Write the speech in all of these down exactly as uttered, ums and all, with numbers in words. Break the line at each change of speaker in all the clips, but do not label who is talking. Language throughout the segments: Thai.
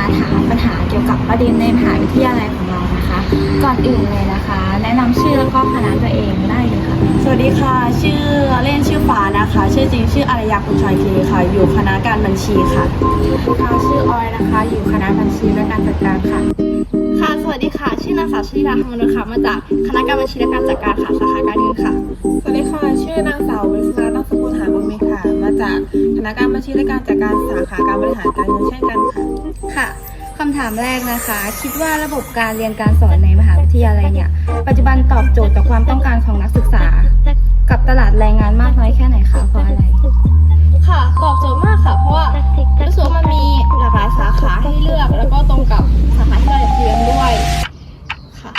ถามปัญหาเกี่ยวกับประเด็นในมหาวิทยาลัยของเรานะคะก่อนอื่นเลยนะคะ แนะนำชื่อแล้วก็คณะตัวเองได้เลยค่ะ
สวัสดีค่ะชื่อเล่นชื่อฟ้านะคะชื่อจริงชื่ออารยากุลชอยคีค่ะอยู่คณะการบัญชีค่ะ
ค่ะชื่อออยนะคะอยู่คณะบัญชีและการจัดการค่ะ
ค่ะสวัสดีค่ะชื่อนางสาวชลิดาธรรมนุชค่ะมาจากคณะการบัญชีและการจัดการค่ะสาขาการเงินค่ะ
สวัสดีค่ะชื่อนางสาววิศราตั้งสกุลหาบุญมีค่ะมาจากคณะการบัญชีและการจัดการสาขาการบริหารการเงินเช่นกันค่ะ
ค่ะคำถามแรกนะคะคิดว่าระบบการเรียนการสอนในมหาวิทยาลัยเนี่ยปัจจุบันตอบโจทย์ต่อความต้องการของนักศึกษากับตลาดแรงงานมากน้อยแค่ไหนคะเพราะอะไร
ค่ะตอบโจทย์มากค่ะเพราะว่ารู้สึกว่ามันมีหลากหลายสาขาให้เลือกแล้วก็ตรงกับสาขาที่เราอยากเรียนด้วยค่ะ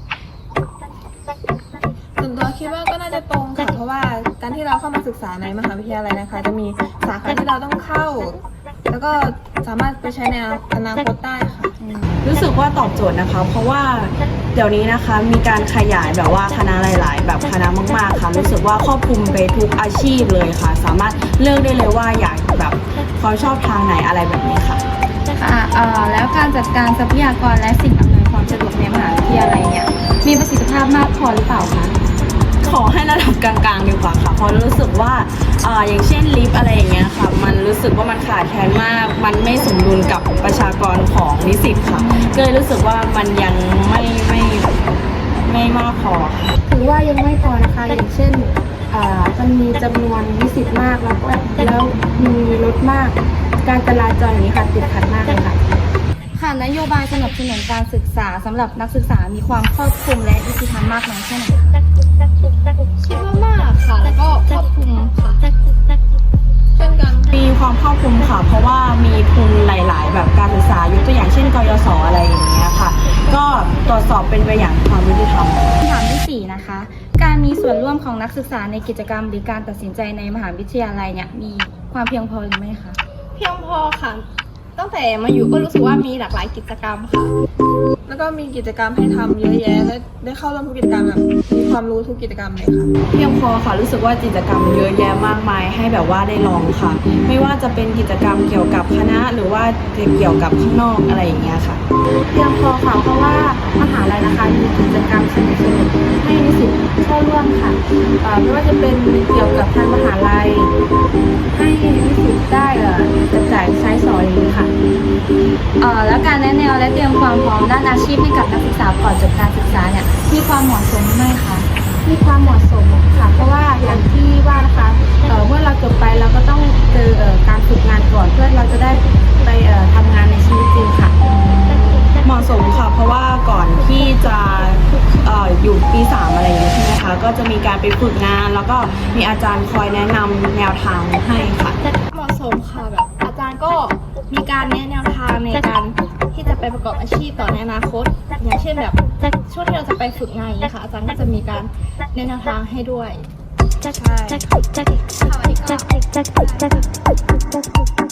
ส่วนตัวคิดว่าก็น่าจะตรงค่ะเพราะว่าการที่เราเข้ามาศึกษาในมหาวิทยาลัยนะคะจะมีสาขาที่เราต้องเข้าแล้วก็สามารถไปใช้ในอนาคตได้ค่ะ
รู้สึกว่าตอบโจทย์นะคะเพราะว่าเดี๋ยวนี้นะคะมีการขยายแบบว่าคณะหลาย ๆ แบบคณะมากๆค่ะรู้สึกว่าครอบคลุมไปทุกอาชีพเลยค่ะสามารถเลือกได้เลยว่าอยากแบบความชอบทางไหนอะไรแบบนี้ค่ะ
ค่ะเอ่อแล้วการจัดการทรัพยากรและสิ่งอำนวยความสะดวกในมหาวิทยาลัยเนี่ยมีประสิทธิภาพมากพอหรือเปล่าคะ
ขอให้ระดับกลางๆดีกว่าค่ะเพราะรู้สึกว่าอ่าอย่างเช่นลิฟต์อะไรอย่างเงี้ยค่ะมันรู้สึกว่ามันขาดแคลนมากมันไม่สมดุลกับประชากรของนิสิตค่ะก็เลยรู้สึกว่ามันยังไม่ไม่ไม่มากพอ
ถือว่ายังไม่พอนะคะอย่างเช่นอ่ามันมีจำนวนนิสิตมากแล้วก็แล้วมีรถมากการจราจรอย่างนี้ค่ะติดขัดมากเลยค่ะค่ะนโยบายสนับสนุนการศึกษาสำหรับนักศึกษามีความครอบคลุมและยุติธรรมมากน้อยแค่ไหน
คิดว่ามากค่ะแล้วก็ครอบคลุมค่ะ
เช่นกัน
มีความครอบคลุมค่ะเพราะว่ามีทุนหลาย ๆ แบบการศึกษายกตัวอย่างเช่นกยศอะไรอย่างเงี้ยค่ะก็ตรวจสอบเป็นไปอย่างความยุติธรรม
คำถามที่สี่นะคะการมีส่วนร่วมของนักศึกษาในกิจกรรมหรือการตัดสินใจในมหาวิทยาลัยเนี่ยมีความเพียงพอหรือไม่คะ
เพียงพอค่ะตั้งแต่มาอยู่ก็รู้สึกว่ามีหลากหลายกิจกรรมค่ะ
แล้วก็มีกิจกรรมให้ทำเยอะแยะและได้เข้าร่วมทุกกิจกรรมแบบมีความรู้ทุกกิจกรรมเลยค่ะ
เพียงพอค่ะรู้สึกว่ากิจกรรมเยอะแยะมากมายให้แบบว่าได้ลองค่ะไม่ว่าจะเป็นกิจกรรมเกี่ยวกับคณะหรือว่าเกี่ยวกับข้างนอกอะไรอย่างเงี้ยค่ะ
เพียงพอค่ะเพราะว่ามหาลัยนะคะมีกิจกรรมสนุกๆให้นิสิตเข้าร่วมค่ะไม่ว่าจะเป็นเกี่ยวกับทางมหาลัยให้นิสิตได้กระจายใช้สอยอย่างนี้ค่ะแล้วการแนะแนวและเตรียมความพร้อมด้านอาชีพให้กับนักศึกษาก่อนจบการศึกษาเนี่ยมีความเหมาะสมไหมคะมีความเหมาะสมค่ะเพราะว่าอย่างที่ว่านะคะเเมื่อเราจบไปเราก็ต้องเจอการฝึกงานก่อนเพื่อเราจะได้ไปทำงานในชีวิตจริงค่ะ
เหมาะสมค่ะเพราะว่าก่อนที่จะออยู่ปีสามอะไรอย่างนี้ใช่ไหมคะก็จะมีการไปฝึกงานแล้วก็มีอาจารย์คอยแนะนำแนวทางให้ค่ะ
เหมาะสมค่ะแบบอาจารย์ก็มีการแนะแนวทางในการที่จะไปประกอบอาชีพต่อในอนาคตอย่างเช่นแบบช่วงที่เราจะไปฝึกงานอย่างนี้ค่ะอาจารย์ก็จะมีการแนะแนวทางให้ด้วยใช่ค่ะสวัสดีค่ะ